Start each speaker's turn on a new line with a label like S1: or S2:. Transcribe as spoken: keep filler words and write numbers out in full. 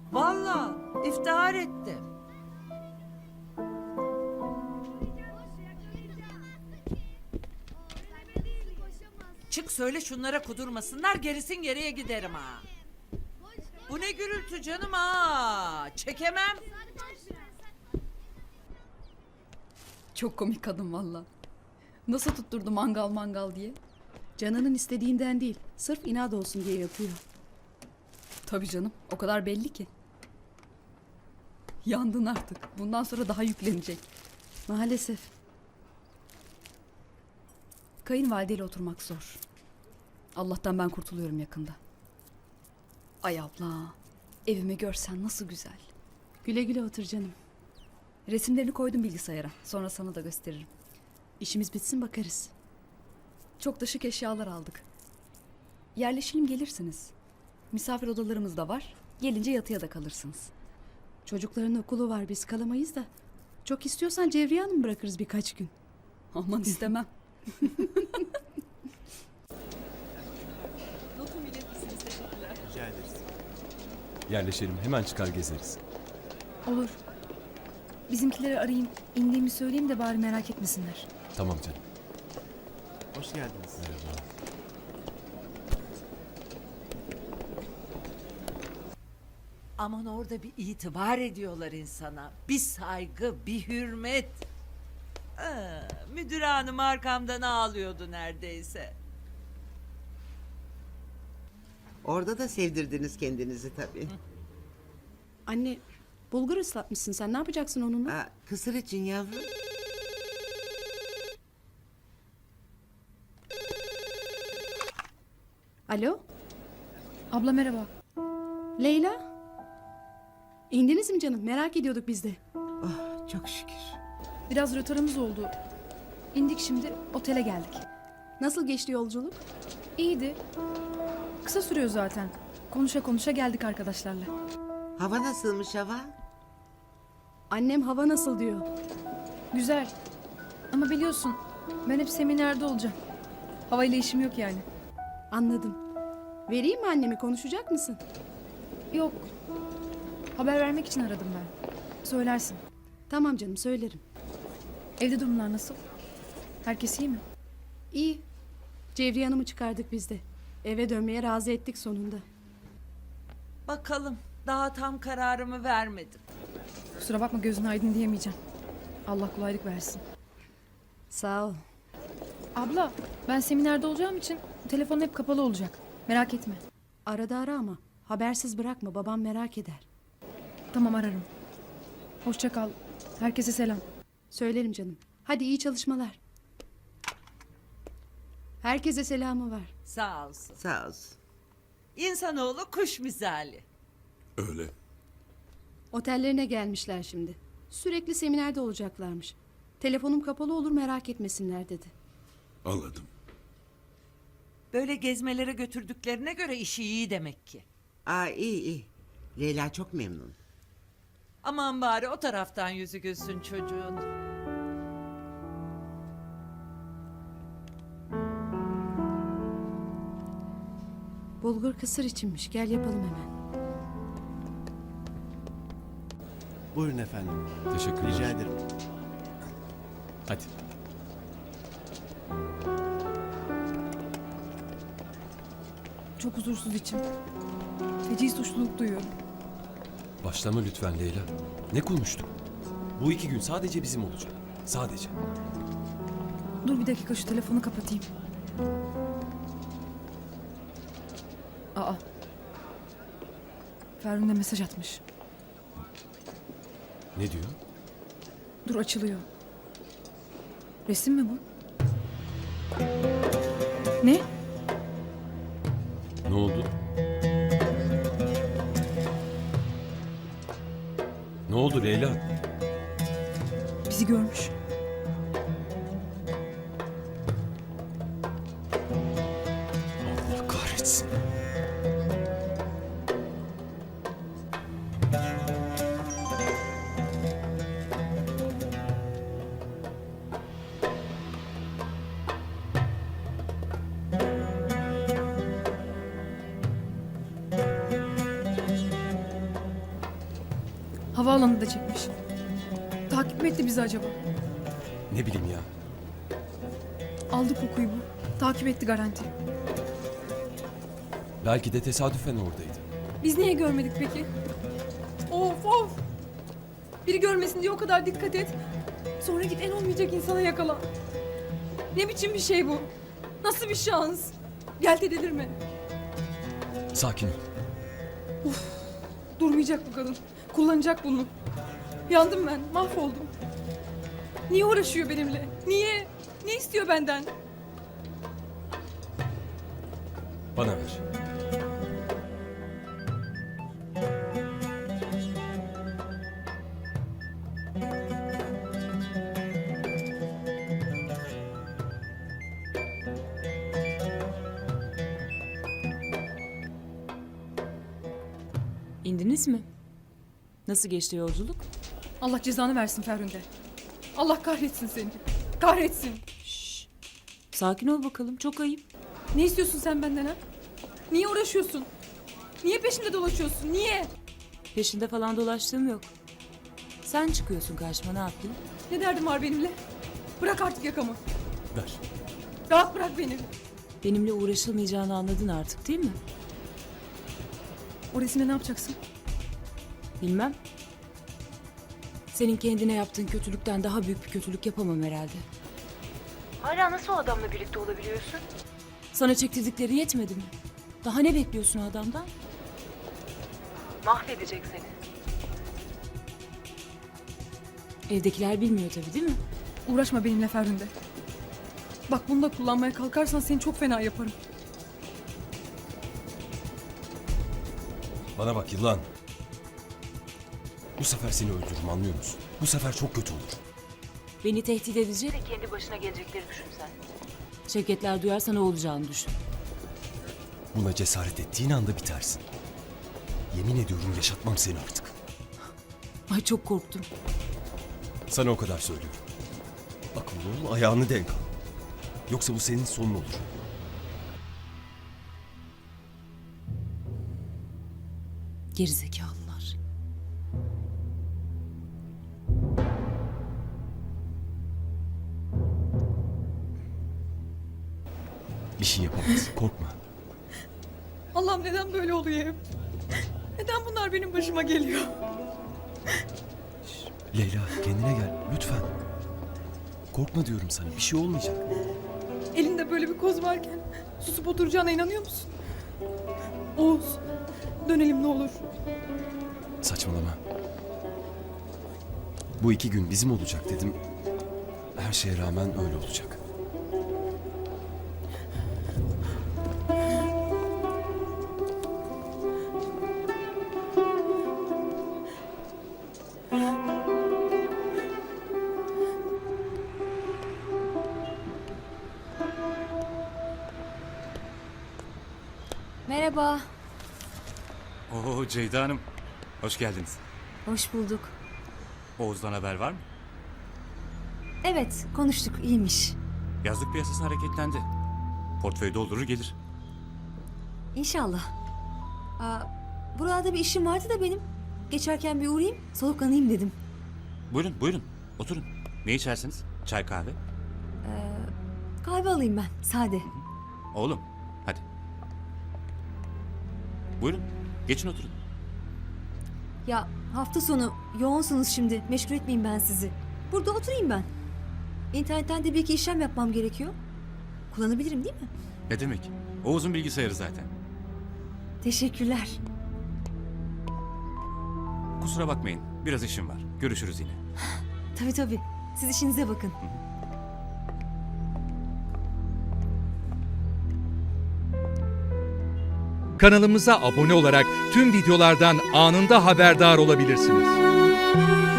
S1: Vallahi iftihar ettim. Çık söyle şunlara kudurmasınlar, gerisin geriye giderim ha. Bu ne gürültü canım ha. Çekemem.
S2: Çok komik kadın valla. Nasıl tutturdu mangal mangal diye.
S3: Canının istediğinden değil, sırf inat olsun diye yapıyor.
S2: Tabii canım, o kadar belli ki. Yandın artık. Bundan sonra daha yüklenecek.
S3: Maalesef.
S2: Kayınvalideyle oturmak zor. Allah'tan ben kurtuluyorum yakında. Ay abla, evimi görsen nasıl güzel.
S3: Güle güle otur canım.
S2: Resimlerini koydum bilgisayara. Sonra sana da gösteririm.
S3: İşimiz bitsin bakarız.
S2: Çok da şık eşyalar aldık. Yerleşelim gelirsiniz. Misafir odalarımız da var. Gelince yatıya da kalırsınız.
S3: Çocukların okulu var, biz kalamayız da. Çok istiyorsan Cevriye Hanım bırakırız birkaç gün.
S2: Aman istemem.
S4: Rica ederiz.
S5: Yerleşelim, hemen çıkar gezeriz.
S6: Olur. Bizimkileri arayayım, indiğimi söyleyeyim de bari merak etmesinler.
S5: Tamam canım.
S4: Hoş geldiniz.
S5: Merhaba.
S1: Aman orada bir itibar ediyorlar insana. Bir saygı, bir hürmet. Aa, müdür hanım arkamdan ağlıyordu neredeyse.
S7: Orada da sevdirdiniz kendinizi tabii.
S3: Anne, bulgur ıslatmışsın sen, ne yapacaksın onunla?
S7: Aa, kısır için yavrum.
S3: Alo,
S6: Abla merhaba.
S3: Leyla? İndiniz mi canım? Merak ediyorduk biz de.
S7: Oh, çok şükür.
S6: Biraz rötarımız oldu. İndik şimdi, otele geldik.
S3: Nasıl geçti yolculuk?
S6: İyiydi. Kısa sürüyor zaten. Konuşa konuşa geldik arkadaşlarla.
S7: Hava nasılmış hava?
S3: Annem hava nasıl diyor.
S6: Güzel. Ama biliyorsun, ben hep seminerde olacağım. Havayla işim yok yani.
S3: Anladım. Vereyim mi annemi, konuşacak mısın?
S6: Yok. Haber vermek için aradım ben. Söylersin.
S3: Tamam canım, söylerim.
S6: Evde durumlar nasıl? Herkes iyi mi?
S3: İyi. Cevriye Hanım'ı çıkardık biz de. Eve dönmeye razı ettik sonunda.
S1: Bakalım, daha tam kararımı vermedim.
S6: Kusura bakma, gözün aydın diyemeyeceğim. Allah kolaylık versin.
S3: Sağ ol.
S6: Abla, ben seminerde olacağım için telefon hep kapalı olacak. Merak etme.
S3: Arada ara ama habersiz bırakma, babam merak eder.
S6: Tamam, ararım. Hoşça kal. Herkese selam.
S3: Söylerim canım. Hadi iyi çalışmalar. Herkese selamı var.
S1: Sağ olsun.
S7: Sağ olsun.
S1: İnsanoğlu kuş misali.
S5: Öyle.
S3: Otellerine gelmişler şimdi. Sürekli seminerde olacaklarmış. Telefonum kapalı olur, merak etmesinler dedi.
S5: Anladım.
S1: Böyle gezmelere götürdüklerine göre işi iyi demek ki.
S7: Aa, iyi iyi. Leyla çok memnun.
S1: Aman bari o taraftan yüzü gülsün çocuğun.
S3: Bulgur kısır içinmiş, gel yapalım hemen.
S4: Buyurun efendim.
S5: Teşekkürler.
S4: Rica ederim.
S5: Hadi.
S6: Çok huzursuz içim. Feci suçluluk duyuyorum.
S5: Başlama lütfen Leyla. Ne konuştuk? Bu iki gün sadece bizim olacak. Sadece.
S6: Dur bir dakika, şu telefonu kapatayım. Aa. Ferhun de mesaj atmış.
S5: Ne diyor?
S6: Dur, açılıyor. Resim mi bu? Ne?
S5: Ne oldu? Ne oldu Leyla?
S6: Bizi görmüş.
S5: Allah kahretsin.
S6: Havaalanında çekmiş. Takip mi etti bizi acaba?
S5: Ne bileyim ya.
S6: Aldı kokuyu bu. Takip etti garanti.
S5: Belki de tesadüfen oradaydı.
S6: Biz niye görmedik peki? Of of! Biri görmesin diye o kadar dikkat et. Sonra git en olmayacak insana yakala. Ne biçim bir şey bu? Nasıl bir şans? Gel de delirme.
S5: Sakin ol.
S6: Durmayacak bu kadın. Kullanacak bunu. Yandım ben. Mahvoldum. Niye uğraşıyor benimle? Niye? Ne istiyor benden?
S5: Bana ver.
S8: İndiniz mi? Nasıl geçti yolculuk?
S6: Allah cezanı versin Ferhunde. Allah kahretsin seni. Kahretsin.
S8: Sakin ol bakalım, çok ayıp.
S6: Ne istiyorsun sen benden ha? Niye uğraşıyorsun? Niye peşinde dolaşıyorsun? Niye?
S8: Peşinde falan dolaştığım yok. Sen çıkıyorsun karşıma, ne yapayım?
S6: Ne derdin var benimle? Bırak artık yakamı.
S5: Ver.
S6: Rahat bırak beni.
S8: Benimle uğraşılmayacağını anladın artık değil mi?
S6: O resimle ne yapacaksın?
S8: Bilmem. Senin kendine yaptığın kötülükten daha büyük bir kötülük yapamam herhalde. Hala nasıl o adamla birlikte olabiliyorsun? Sana çektirdikleri yetmedi mi? Daha ne bekliyorsun o adamdan? Mahvedecek seni. Evdekiler bilmiyor tabii değil mi?
S6: Uğraşma benimle Ferhunde. Bak bunu da kullanmaya kalkarsan seni çok fena yaparım.
S5: Bana bak yılan. Bu sefer seni öldürürüm, anlıyor musun? Bu sefer çok kötü olur.
S8: Beni tehdit edecek. Kendi başına gelecekleri düşün sen. Şevketler duyarsa ne olacağını düşün.
S5: Buna cesaret ettiğin anda bitersin. Yemin ediyorum yaşatmam seni artık.
S8: Ay çok korktum.
S5: Sana o kadar söylüyorum. Akıllı ol, ayağını denk al. Yoksa bu senin sonun olur.
S8: Gerizekalılar.
S5: Bir şey yapamaz, korkma.
S6: Allah'ım neden böyle oluyor hep? Neden bunlar benim başıma geliyor?
S5: Leyla kendine gel, lütfen. Korkma diyorum sana, bir şey olmayacak.
S6: Elinde böyle bir koz varken susup oturacağına inanıyor musun? Oğuz, dönelim ne olur.
S5: Saçmalama. Bu iki gün bizim olacak dedim. Her şeye rağmen öyle olacak.
S9: Merhaba.
S10: Oo Ceyda Hanım, hoş geldiniz.
S9: Hoş bulduk.
S10: Oğuz'dan haber var mı?
S9: Evet, konuştuk. İyiymiş.
S10: Yazlık piyasası hareketlendi. Portföy doldurur gelir.
S9: İnşallah. Aa, burada bir işim vardı da benim. Geçerken bir uğrayayım, soluklanayım dedim.
S10: Buyurun, buyurun. Oturun. Ne içersiniz? Çay, kahve?
S9: Kahve alayım ben, sade.
S10: Oğlum, hadi. Buyurun, geçin oturun.
S9: Ya hafta sonu yoğunsunuz şimdi. Meşgul etmeyeyim ben sizi. Burada oturayım ben. İnternetten de bir iki işlem yapmam gerekiyor. Kullanabilirim değil mi?
S10: Ne demek? Oğuz'un bilgisayarı zaten.
S9: Teşekkürler.
S10: Kusura bakmayın, biraz işim var. Görüşürüz yine.
S9: Tabii tabii. Siz işinize bakın.
S11: Kanalımıza abone olarak tüm videolardan anında haberdar olabilirsiniz.